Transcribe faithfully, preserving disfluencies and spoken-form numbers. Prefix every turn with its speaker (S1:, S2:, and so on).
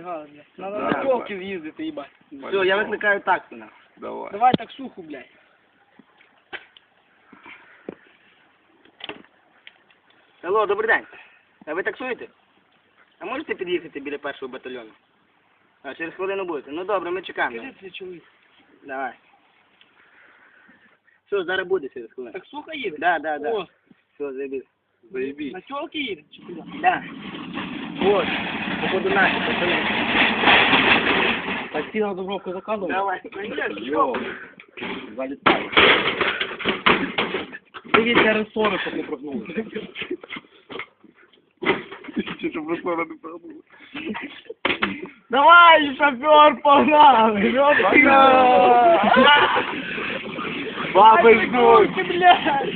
S1: напрягали, блядь. Надо на тілки з'їздити, їбать.
S2: Все, я викликаю таксу, нахуй.
S3: Давай.
S1: Давай таксуху, блядь.
S2: Алло, добрий день. А ви таксуєте? А можете під'їхати біля першого батальйону? А, через хвилину будете. Ну добре, ми чекаємо.
S1: Скажи, це чоловік.
S2: Давай. Все, зараз буде через хвилину.
S1: Таксуха їде?
S2: Да, да, да.
S1: О,
S2: Все, заебись.
S3: Заебись.
S1: на тілки їде? Чи куди?
S2: Да. Вот. Походу наши, пацаны.
S3: Такси на Дубровку закладывай.
S2: Давай.
S3: Йоу. Залетай. Дивіться ресори, щоб не прогнули. Щоб ресори не прогнули.
S1: Давай, шофер, погнали!
S3: Баби ждуть.
S1: Ай, блядь!